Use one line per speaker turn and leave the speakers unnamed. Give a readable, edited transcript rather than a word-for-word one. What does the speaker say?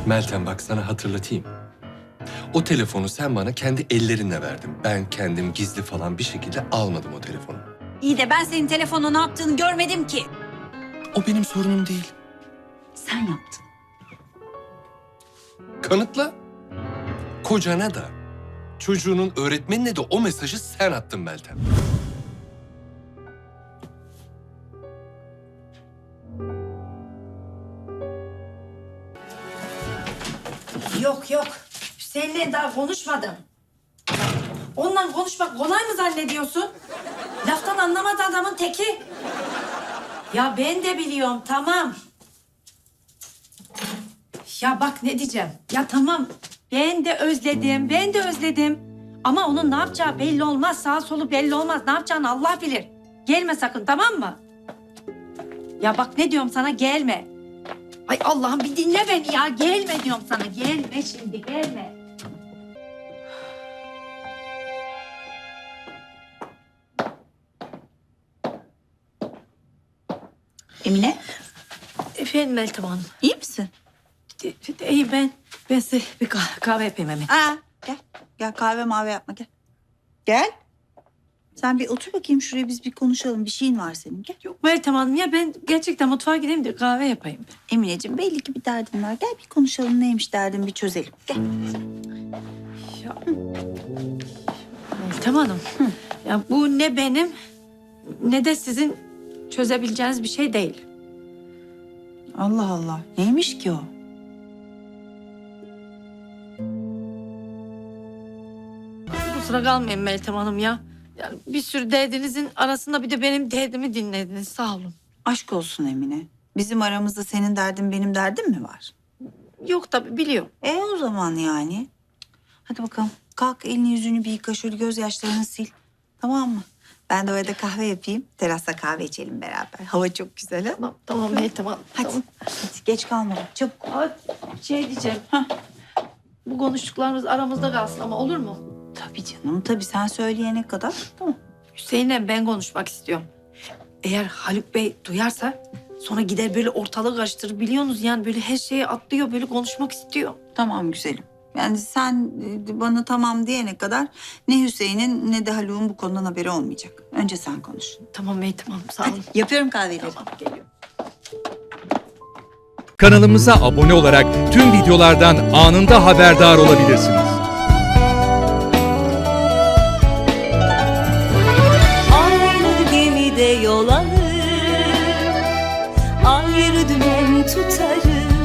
Meltem bak sana hatırlatayım. O telefonu sen bana kendi ellerinle verdin. Ben kendim gizli falan bir şekilde almadım o telefonu.
İyi de ben senin telefonla ne yaptığını görmedim ki.
O benim sorunum değil.
Sen yaptın.
Kanıtla. Kocana da, çocuğunun öğretmenine de o mesajı sen attın Meltem.
Yok yok. Hüseyin'le daha konuşmadım. Onunla konuşmak kolay mı zannediyorsun? Laftan anlamadı adamın teki. Ya ben de biliyorum, tamam. Ya bak ne diyeceğim. Ya tamam, ben de özledim. Ama onun ne yapacağı belli olmaz, sağ solu belli olmaz. Ne yapacağını Allah bilir. Gelme sakın, tamam mı? Ya bak ne diyorum sana, gelme. Ay Allah'ım bir dinle beni ya. Gelme diyorum sana. Gelme şimdi, gelme.
Emine,
Efendim Meltem Hanım.
iyi misin?
İyi ben size bir kahve yapayım hemen.
Gel. Gel kahve mavi yapma gel. Gel. Sen bir otur bakayım şuraya biz bir konuşalım. Bir şeyin var senin gel.
Yok Meltem Hanım ya ben gerçekten mutfağa gideyim de kahve yapayım.
Emineciğim belli ki bir derdin var. Gel bir konuşalım neymiş derdin bir çözelim. Gel.
Ya, Meltem Hanım. Ya bu ne benim ne de sizin çözebileceğiniz bir şey değil.
Allah Allah. Neymiş ki o?
Kusura kalmayın Meltem Hanım ya. Yani bir sürü derdinizin arasında bir de benim derdimi dinlediniz. Sağ olun.
Aşk olsun Emine. Bizim aramızda senin derdin benim derdim mi var?
Yok tabii biliyorum.
O zaman yani. Hadi bakalım. Kalk elini yüzünü bir yıka şöyle gözyaşlarını sil. Tamam mı? Ben de orada kahve yapayım. Terasta kahve içelim beraber. Hava çok güzel ha.
Tamam Meltem Hanım.
Hadi.
Tamam.
Hadi geç kalma. Çabuk.
Şey diyeceğim. Bu konuştuklarımız aramızda kalsın ama olur mu?
Tabii canım. Tabii sen söyleyene kadar. Tamam.
Hüseyin'le ben konuşmak istiyorum. Eğer Haluk Bey duyarsa sonra gider böyle ortalığı karıştırır. Biliyorsunuz yani böyle her şeyi atlıyor böyle konuşmak istiyor.
Tamam güzelim. Yani sen bana tamam diyene kadar ne Hüseyin'in ne de Haluk'un bu konudan haberi olmayacak. Önce sen konuş.
Tamam Meltem Hanım sağ olun.
Yapıyorum kahveleri.
Tamam geliyorum.
Kanalımıza abone olarak tüm videolardan anında haberdar olabilirsiniz.
Aynı gemide yol alır, ayrı dümen tutarız.